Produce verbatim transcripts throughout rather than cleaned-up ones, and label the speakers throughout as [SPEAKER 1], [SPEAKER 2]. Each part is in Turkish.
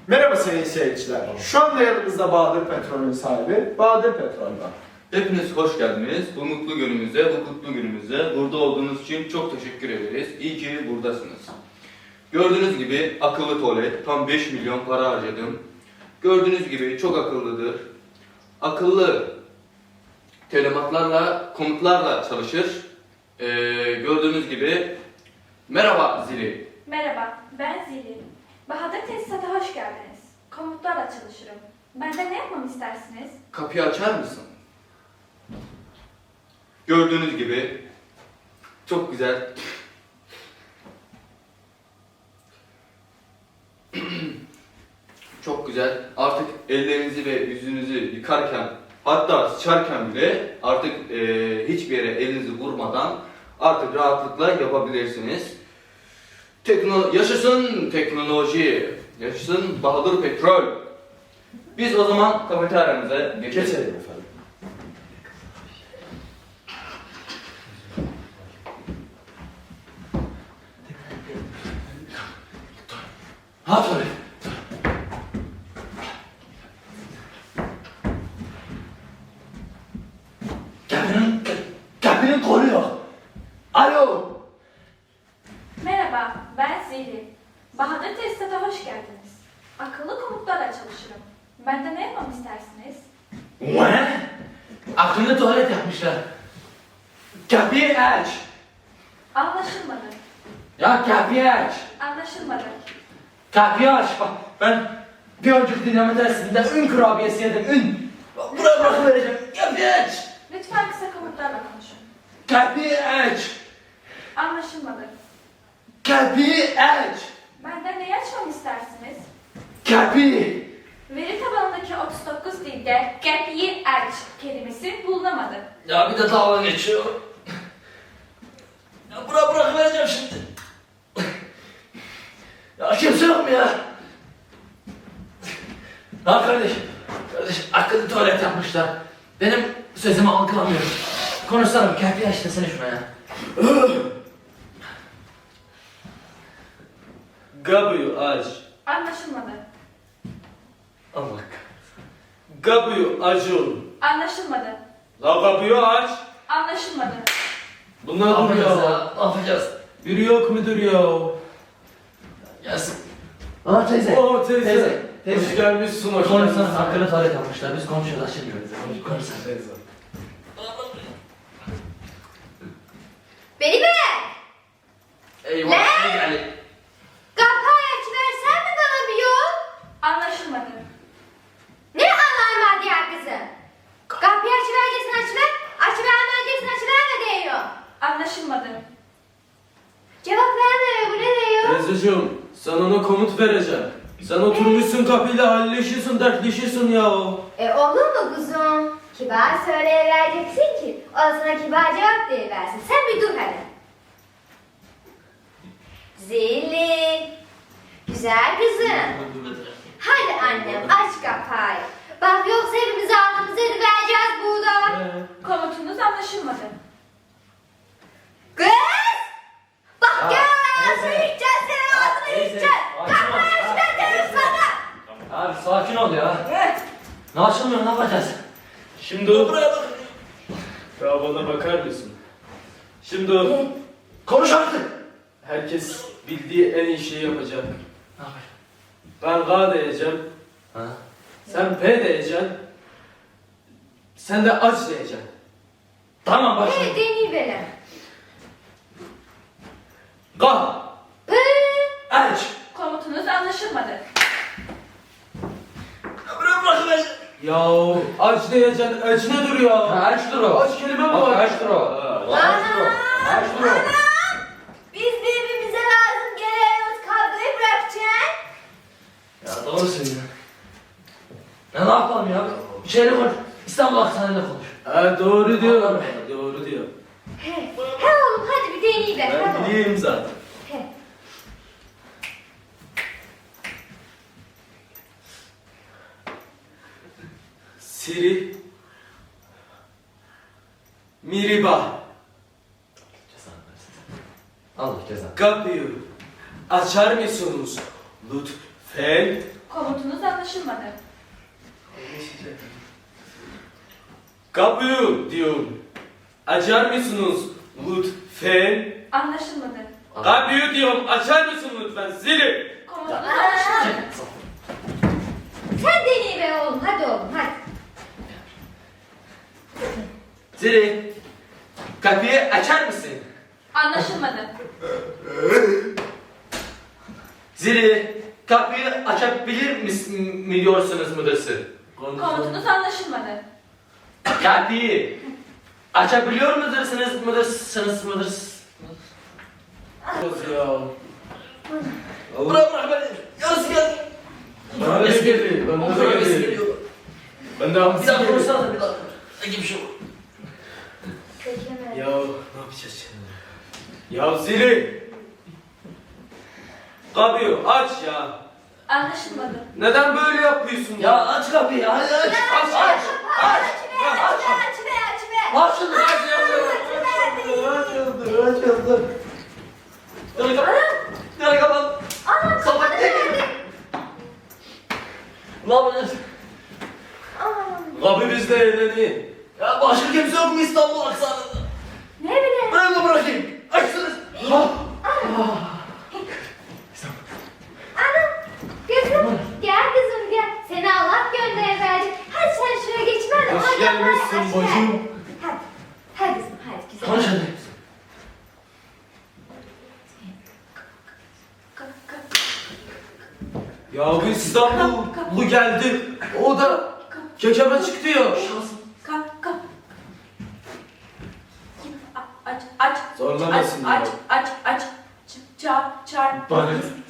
[SPEAKER 1] Merhaba sayın seyirciler. Şu anda yanımızda Bahadır Petrol'ün sahibi Bahadır Petrol'dan.
[SPEAKER 2] Hepiniz hoş geldiniz. Bu mutlu günümüzde, bu kutlu günümüzde burada olduğunuz için çok teşekkür ederiz. İyi ki buradasınız. Gördüğünüz gibi akıllı tuvalet, tam beş milyon para harcadım. Gördüğünüz gibi çok akıllıdır. Akıllı telimatlarla, komutlarla çalışır. Ee, gördüğünüz gibi merhaba zili.
[SPEAKER 3] Merhaba, ben Zili. Bahadır Tesisat'a hoş geldiniz. Komutlarla çalışırım. Benden ne yapmamı istersiniz?
[SPEAKER 2] Kapıyı açar mısın? Gördüğünüz gibi çok güzel. Çok güzel. Artık ellerinizi ve yüzünüzü yıkarken, hatta sıçarken bile artık e, hiçbir yere elinizi vurmadan artık rahatlıkla yapabilirsiniz. Tekno yaşasın teknoloji, yaşasın Bahadır Petrol. Biz o zaman kafeteryamıza geçelim.
[SPEAKER 1] Geçelim efendim.
[SPEAKER 2] Ha tabii.
[SPEAKER 4] Kapının, kapının kolu yok. Alo.
[SPEAKER 3] Merhaba, ben Zili. Bahadır Tesisat'a hoş geldiniz. Akıllı komutlarla çalışırım. Benden ne yapmamı istersiniz?
[SPEAKER 4] Ne? Akıllı tuvalet yapmışlar. Kapıyı aç.
[SPEAKER 3] Anlaşılmadı.
[SPEAKER 4] Ya kapıyı aç.
[SPEAKER 3] Anlaşılmadı.
[SPEAKER 4] Kapıyı aç. Bak ben bir önceki dinleme dersinde ün kurabiyesi yedim. Ün. Buraya bırakıvereceğim. Kapıyı aç.
[SPEAKER 3] Lütfen kısa komutlarla konuşun.
[SPEAKER 4] Kapıyı aç.
[SPEAKER 3] Anlaşılmadı.
[SPEAKER 4] Kapıyı aç.
[SPEAKER 3] Benden neyi açmamı istersiniz?
[SPEAKER 4] Kapıyı.
[SPEAKER 3] Veri tabanındaki otuz dokuz dilde kapıyı aç kelimesi bulunamadı.
[SPEAKER 4] Ya bir de dalga geçiyor. Ya buraya bırakıvereceğim şimdi. Ya kimse yok mu ya? Ya kardeş, kardeş akıllı tuvalet yapmışlar. Benim sözümü algılamıyor. Konuşsana bir kapıyı aç desene şuna ya.
[SPEAKER 5] Kapıyı aç.
[SPEAKER 3] Anlaşılmadı.
[SPEAKER 4] Allah kahretsin.
[SPEAKER 5] Kapıyı açın.
[SPEAKER 3] Anlaşılmadı.
[SPEAKER 5] La kapıyı aç.
[SPEAKER 3] Anlaşılmadı.
[SPEAKER 5] Bunlar
[SPEAKER 4] Ne yapacağız
[SPEAKER 5] duruyor.
[SPEAKER 4] ya? Ne yapacağız?
[SPEAKER 5] Biri yok mudur ya?
[SPEAKER 4] Gelsin. Aa teyze.
[SPEAKER 5] Oo teyze.
[SPEAKER 4] Teyze. Teyze.
[SPEAKER 5] Hoş gelmişsin, hoş
[SPEAKER 4] Konuşsana
[SPEAKER 5] gelmişsin.
[SPEAKER 4] akıllı tuvalet yapmışlar. Biz konuşuyoruz açılmıyoruz. Konuşsana.
[SPEAKER 5] Teyze.
[SPEAKER 6] Beni ver!
[SPEAKER 4] Eyvah.
[SPEAKER 6] Ne?
[SPEAKER 4] Ne geldi?
[SPEAKER 6] Kapıyı açıversen mi bana bir yol?
[SPEAKER 3] Anlaşılmadı.
[SPEAKER 6] Ne alarm ya kızım? Kapıyı açıvereceksin açıver, açıvermeyeceksin açıverme diyor.
[SPEAKER 3] Anlaşılmadı.
[SPEAKER 6] Cevap vermiyor, bu ne diyor?
[SPEAKER 5] Teyzeciğim, sen ona komut vereceksin. Sen oturmuşsun kapıyla halleşiyorsun, dertleşiyorsun ya.
[SPEAKER 6] E olur mu kuzum? Kibar söyleyivereceksin ki, o sana kibar cevap versin. Sen bir dur hadi. Zili. Güzel kızım. Hadi annem aç kapıyı. Bak yoksa hepimiz altımızı vereceğiz burada.
[SPEAKER 5] Ee,
[SPEAKER 3] Komutunuz anlaşılmadı.
[SPEAKER 6] Kız! Bak
[SPEAKER 4] Ya,
[SPEAKER 6] gel ağzını
[SPEAKER 4] teyze.
[SPEAKER 6] yiyeceğiz senin
[SPEAKER 4] Ya,
[SPEAKER 6] ağzını
[SPEAKER 4] teyze,
[SPEAKER 6] yiyeceğiz.
[SPEAKER 4] sakin ol.
[SPEAKER 6] Kapıyı
[SPEAKER 4] Ya,
[SPEAKER 6] açıver derim
[SPEAKER 4] teyze.
[SPEAKER 6] sana.
[SPEAKER 4] Abi sakin ol ya. Ne açılmıyor, ne yapacağız?
[SPEAKER 5] Şimdi o... Ya bana bakar mısın? Şimdi o...
[SPEAKER 4] Konuş artık.
[SPEAKER 5] Herkes bildiği en iyi şeyi yapacak.
[SPEAKER 4] Ne yapacağız?
[SPEAKER 5] Ben K diyeceğim,
[SPEAKER 4] Ha?
[SPEAKER 5] sen P diyeceksin, sen de aç diyeceksin.
[SPEAKER 4] Tamam
[SPEAKER 6] Evet
[SPEAKER 4] başlayalım.
[SPEAKER 6] deneyiverelim.
[SPEAKER 5] K.
[SPEAKER 6] Pı.
[SPEAKER 4] Aç.
[SPEAKER 3] Komutunuz anlaşılmadı.
[SPEAKER 4] Bırak bırak beni.
[SPEAKER 5] Ya aç diyeceksin, aç ne duruyor?
[SPEAKER 4] Ha, aç dur o.
[SPEAKER 5] Aç kelime mi
[SPEAKER 4] Bak,
[SPEAKER 5] var?
[SPEAKER 4] aç dur o.
[SPEAKER 5] Ha.
[SPEAKER 4] Bak, aç dur o. Aç dur o.
[SPEAKER 6] Anam! Biz birbirimize lazım geliyoruz kavgayı bırakacaksın.
[SPEAKER 4] Ya doğru söylüyorsun. Ne, ne yapalım ya? Bir şeyle konuş. İstanbul Hastanesi'nde konuş.
[SPEAKER 5] Ha doğru diyor.
[SPEAKER 4] Allah'ım.
[SPEAKER 5] Doğru diyor.
[SPEAKER 6] He, he oğlum hadi bir deneyiver.
[SPEAKER 5] Ben
[SPEAKER 6] hadi.
[SPEAKER 5] bileyim zaten.
[SPEAKER 6] He.
[SPEAKER 5] Siri Miriba
[SPEAKER 4] Allah cezanı.
[SPEAKER 5] kapıyı açar mısınız? Lütfen.
[SPEAKER 3] Komut Komutunuz anlaşılmadı.
[SPEAKER 5] Kapıyı diyor. Açar mısınız lütfen?
[SPEAKER 3] Anlaşılmadı.
[SPEAKER 5] Kapıyı diyorum, açar mısın lütfen? Zili.
[SPEAKER 3] Komutunuz anlaşılmadı.
[SPEAKER 6] Sen deneyi be oğlum. Hadi oğlum hadi.
[SPEAKER 4] Zili. Kapıyı açar mısın?
[SPEAKER 3] Anlaşılmadı.
[SPEAKER 4] Zili. Kapıyı açabilir misin mi diyorsunuz müdürsün?
[SPEAKER 3] Komutunuz anlaşılmadı.
[SPEAKER 4] Kapıyı açabiliyor musunuz müdürsünüz müdürsünüz?
[SPEAKER 5] Ya.
[SPEAKER 4] Bırak bırak beni. Yarısı geldi.
[SPEAKER 5] Bana da geldi. Bana da geldi. Ben de
[SPEAKER 4] Bir
[SPEAKER 5] hamsi
[SPEAKER 4] daha
[SPEAKER 5] geldi.
[SPEAKER 4] konuşsana bir daha. Ne gibi şey bu?
[SPEAKER 6] Kökemedim.
[SPEAKER 5] Ya ne yapacağız şimdi? Ya Zili. Kapıyı aç ya.
[SPEAKER 3] Anlaşılmadı.
[SPEAKER 5] Neden böyle yapıyorsun?
[SPEAKER 4] Ya aç kapıyı. Hadi aç. Aç aç. Aç.
[SPEAKER 6] Aç be aç be aç be aç be.
[SPEAKER 4] Aç şunu. Aç
[SPEAKER 1] Açıldı, açıldı.
[SPEAKER 4] Dönü kapat. Dönü kapat.
[SPEAKER 6] Anam
[SPEAKER 4] Kapat.
[SPEAKER 6] kafanı verdi.
[SPEAKER 4] Ne yapacağız?
[SPEAKER 6] Anam.
[SPEAKER 5] Kapı bizde eğleni.
[SPEAKER 4] Ya başka kimse yok mu İstanbul aksanında?
[SPEAKER 6] Ne bileyim.
[SPEAKER 4] Ben de bırakayım. Açsınız. Ha.
[SPEAKER 6] Anam. Kızım gel kızım gel. Seni Allah gönderdi. Hadi sen şuraya geç ben de
[SPEAKER 5] Hoş
[SPEAKER 6] ona
[SPEAKER 5] gelmişsin
[SPEAKER 6] kafayı aç
[SPEAKER 5] bacım.
[SPEAKER 6] ver. Hadi. Hadi kızım hadi güzel.
[SPEAKER 4] Konuş hadi.
[SPEAKER 3] Ka- ka-
[SPEAKER 5] Ya bu İstanbul bu geldi. O da kekeme çıktı ya.
[SPEAKER 3] ka- ka- A- Aç, aç.
[SPEAKER 5] Zorlamasın
[SPEAKER 3] Aç,
[SPEAKER 5] ya.
[SPEAKER 3] aç, aç, aç. Ç- Çağır, çağır.
[SPEAKER 5] Bana.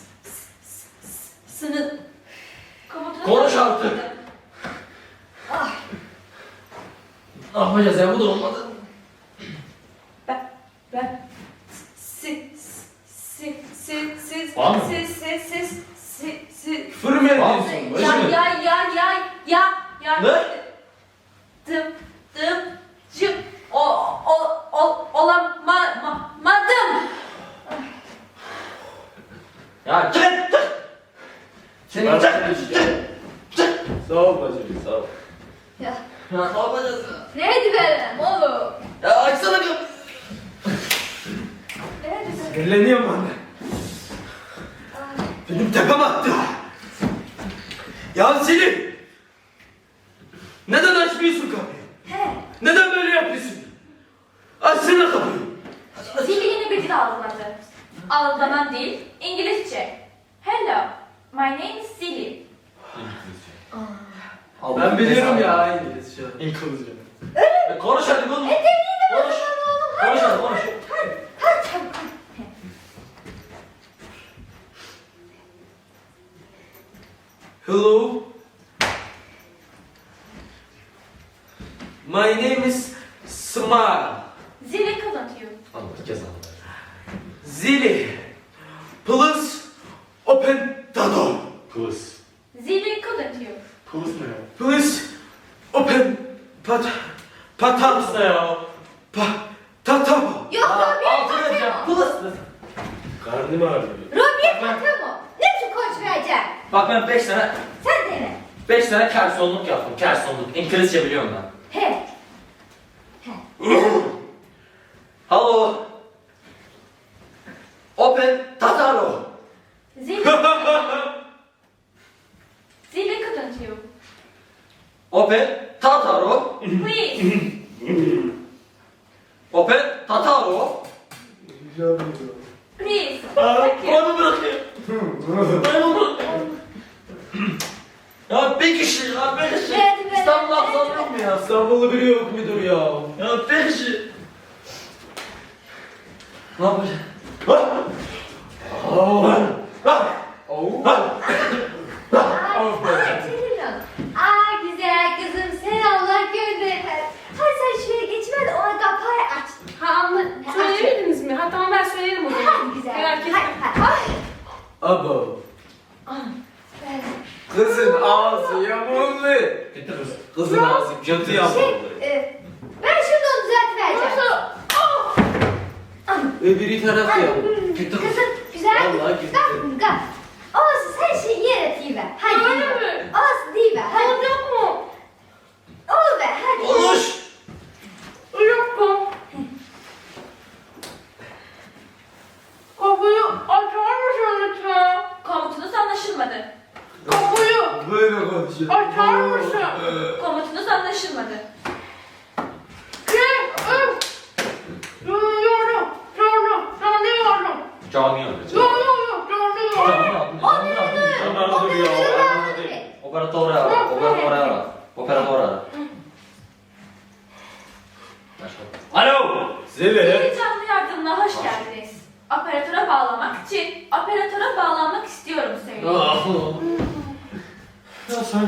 [SPEAKER 3] Sınıf. Komutanım.
[SPEAKER 4] Konuş artık.
[SPEAKER 6] Ah.
[SPEAKER 4] Ne yapacağız ya bu da olmadı.
[SPEAKER 3] Ben, ben, si, si, si, siz,
[SPEAKER 4] Var mı?
[SPEAKER 3] siz, siz, siz, si, si,
[SPEAKER 5] Küfür mü ediyorsun?
[SPEAKER 3] ya,
[SPEAKER 5] bacım?
[SPEAKER 3] ya, ya, ya, ya, ya,
[SPEAKER 4] Ne?
[SPEAKER 3] dım, dım, cım, o, o, o, olamadım.
[SPEAKER 4] Ya çık çık. Seni
[SPEAKER 5] Ben
[SPEAKER 4] çık
[SPEAKER 5] konuşacağım.
[SPEAKER 4] çık.
[SPEAKER 5] Sağ ol bacım, sağ ol.
[SPEAKER 6] Ya.
[SPEAKER 4] Ya ne yapacağız ya?
[SPEAKER 6] Neydi benim oğlum?
[SPEAKER 4] Ya açsana kapıyı.
[SPEAKER 6] Neydi benim?
[SPEAKER 5] Sinirleniyorum anne.
[SPEAKER 6] Ah.
[SPEAKER 5] Benim tepem attı. Ya Selim. Neden açmıyorsun kapıyı?
[SPEAKER 6] He.
[SPEAKER 5] Neden böyle yapıyorsun? Açsana kapıyı.
[SPEAKER 3] Zili yeni bir dil algıladı. Algılanan dil İngilizce. Hello, my name is Zili.
[SPEAKER 5] Ben biliyorum ya İngilizce.
[SPEAKER 4] İngilizce. E, konuş hadi konuş.
[SPEAKER 6] E deneyi de
[SPEAKER 4] Konuş.
[SPEAKER 6] bakalım oğlum. Hadi.
[SPEAKER 4] Konuş hadi konuş.
[SPEAKER 6] Hadi. Hadi çabuk. hadi.
[SPEAKER 5] Hello. My name is Smile.
[SPEAKER 3] Zili couldn't you?
[SPEAKER 4] Anlat kes anlat.
[SPEAKER 5] Zili. Please open the door.
[SPEAKER 4] Kız.
[SPEAKER 3] Zili couldn't you?
[SPEAKER 4] Kız ne ya?
[SPEAKER 5] Please open pat patam
[SPEAKER 4] ne ya?
[SPEAKER 5] pa tatam.
[SPEAKER 6] Yok Robiye
[SPEAKER 4] Altına
[SPEAKER 6] Patemo.
[SPEAKER 4] yap. Kız.
[SPEAKER 5] Karnım ağrıyor.
[SPEAKER 6] Robiye Patemo. Ne biçim koç vereceksin?
[SPEAKER 4] Bak ben beş sene
[SPEAKER 6] Sen dene.
[SPEAKER 4] beş sene kersonluk yaptım. Kersonluk. İngilizce biliyorum ben.
[SPEAKER 6] He.
[SPEAKER 4] Hello. Open Tataro.
[SPEAKER 3] Zili. Zili couldn't you?
[SPEAKER 4] Open Tataro.
[SPEAKER 3] Please.
[SPEAKER 4] Open Tataro.
[SPEAKER 3] Please. Thank you.
[SPEAKER 4] Onu bırakayım. Ben onu bırakayım. Ya bir kişi ya bir kişi.
[SPEAKER 6] Evet, evet,
[SPEAKER 4] İstanbul
[SPEAKER 6] evet,
[SPEAKER 4] aksanı
[SPEAKER 6] evet.
[SPEAKER 4] yok mu ya?
[SPEAKER 5] İstanbul'u biri yok mudur ya?
[SPEAKER 4] Ya bir kişi. Ne yapacağız?
[SPEAKER 5] Oh.
[SPEAKER 6] Ay, ay Celil'im. Aa güzel kızım sen Allah gönderir. Hadi sen şuraya geçme de ona kapıyı aç.
[SPEAKER 7] Ha anla, söylemediniz mi? Ha tamam ben söylerim o zaman.
[SPEAKER 6] Hadi güzel.
[SPEAKER 7] Merak etme.
[SPEAKER 6] Hadi hadi.
[SPEAKER 5] Abo.
[SPEAKER 6] Ay.
[SPEAKER 5] Kızın ağzı yamuldu.
[SPEAKER 4] Gitti kız.
[SPEAKER 5] Kızın ağzı kötü
[SPEAKER 6] Şey,
[SPEAKER 5] yamuldu.
[SPEAKER 6] e, ben şimdi onu düzeltivereceğim.
[SPEAKER 5] Öbürü tarafı
[SPEAKER 6] Hadi,
[SPEAKER 5] yamuldu.
[SPEAKER 6] hmm,
[SPEAKER 4] Gitti kız.
[SPEAKER 6] Kızım güzel.
[SPEAKER 5] Vallahi gitti.
[SPEAKER 6] Kalk, kalk. Olsun sen şimdi yer atayım ver. Hadi.
[SPEAKER 7] Öyle mi?
[SPEAKER 5] Böyle konuşuyor.
[SPEAKER 7] Açar mısın?
[SPEAKER 3] Komutunuz anlaşılmadı.
[SPEAKER 7] Yorum. Yorum. Tanıyorum.
[SPEAKER 4] Cami alacak.
[SPEAKER 7] Yok yok yok. Tanıyorum.
[SPEAKER 4] Operatörü ara, operatörü ara, operatörü ara. Alo!
[SPEAKER 5] Zeli.
[SPEAKER 3] Yeni canlı yardımına hoş geldiniz. Operatöre bağlamak için operatöre bağlanmak istiyorum söyleyin.
[SPEAKER 5] Ya söyle.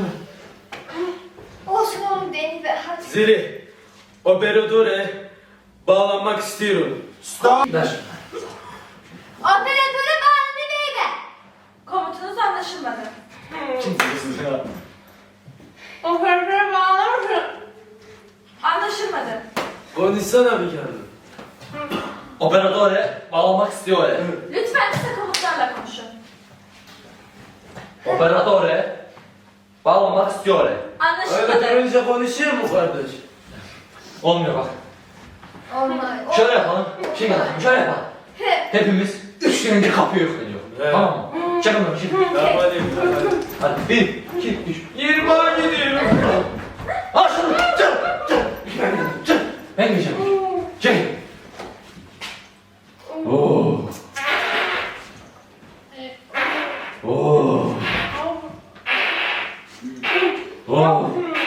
[SPEAKER 6] Olsun oğlum Deniz Bey hadi.
[SPEAKER 5] Zeli. Operatöre bağlanmak istiyorum.
[SPEAKER 1] Stop.
[SPEAKER 4] Ver.
[SPEAKER 6] Operatöre bağlandı beybe.
[SPEAKER 3] Komutunuz anlaşılmadı.
[SPEAKER 1] Kimsiniz ya?
[SPEAKER 7] Operatöre bağlar mısın?
[SPEAKER 3] Anlaşılmadı.
[SPEAKER 5] Konuşsana bir kere.
[SPEAKER 4] Operatöre bağlamak istiyor.
[SPEAKER 3] Lütfen kısa komutlarla konuşun.
[SPEAKER 4] Operatöre bağlamak istiyor.
[SPEAKER 5] Öyle
[SPEAKER 3] Anlaşılmadı.
[SPEAKER 5] görünce konuşuyor mu kardeş?
[SPEAKER 4] Olmuyor bak.
[SPEAKER 6] Olmaz.
[SPEAKER 4] Şöyle yapalım. Şey yapalım. Şöyle yapalım. Hepimiz üç gün önce kapıyı yükleniyor.
[SPEAKER 5] Evet.
[SPEAKER 4] Tamam mı? Çakın bakalım şimdi.
[SPEAKER 5] Tamam hadi. hadi.
[SPEAKER 4] Hadi bir, iki, üç.
[SPEAKER 5] Yirmiye gidiyorum.
[SPEAKER 4] Al şunu. Çak. Çak. Çak. Ben gideceğim. Çek. Oo. Oo. Oo.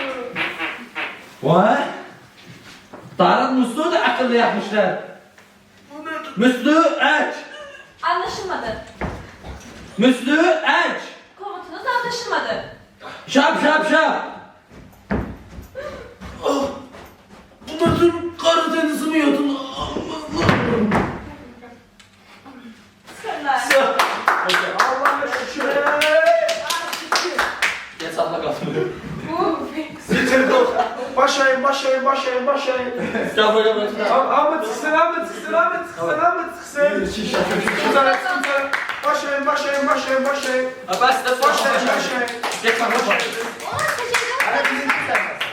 [SPEAKER 4] Vay. Tarık musluğu da akıllı yapmışlar. Musluğu aç.
[SPEAKER 3] Anlaşılmadı.
[SPEAKER 4] Musluğu aç.
[SPEAKER 3] Komutunuz anlaşılmadı.
[SPEAKER 4] Şap şap şap.
[SPEAKER 5] Bunlar dur Karadeniz'i mi yadın?
[SPEAKER 3] Sırlar.
[SPEAKER 1] Allah'a şükür.
[SPEAKER 4] Gel salla kalsın.
[SPEAKER 1] Bitirdik. Başlayın, başlayın, başlayın, başlayın.
[SPEAKER 4] Gel buraya bırak.
[SPEAKER 1] Am- Ahmet sıksın, Ahmet sıksın, Ahmet sıksın, Ahmet sıksın. Güzel, güzel. Başlayın, başlayın, başlayın, başlayın.
[SPEAKER 4] Bas da
[SPEAKER 1] Başlayın, başlayın.
[SPEAKER 4] Geç sen başla.
[SPEAKER 6] Ona kaçırdım.
[SPEAKER 1] Hadi bizim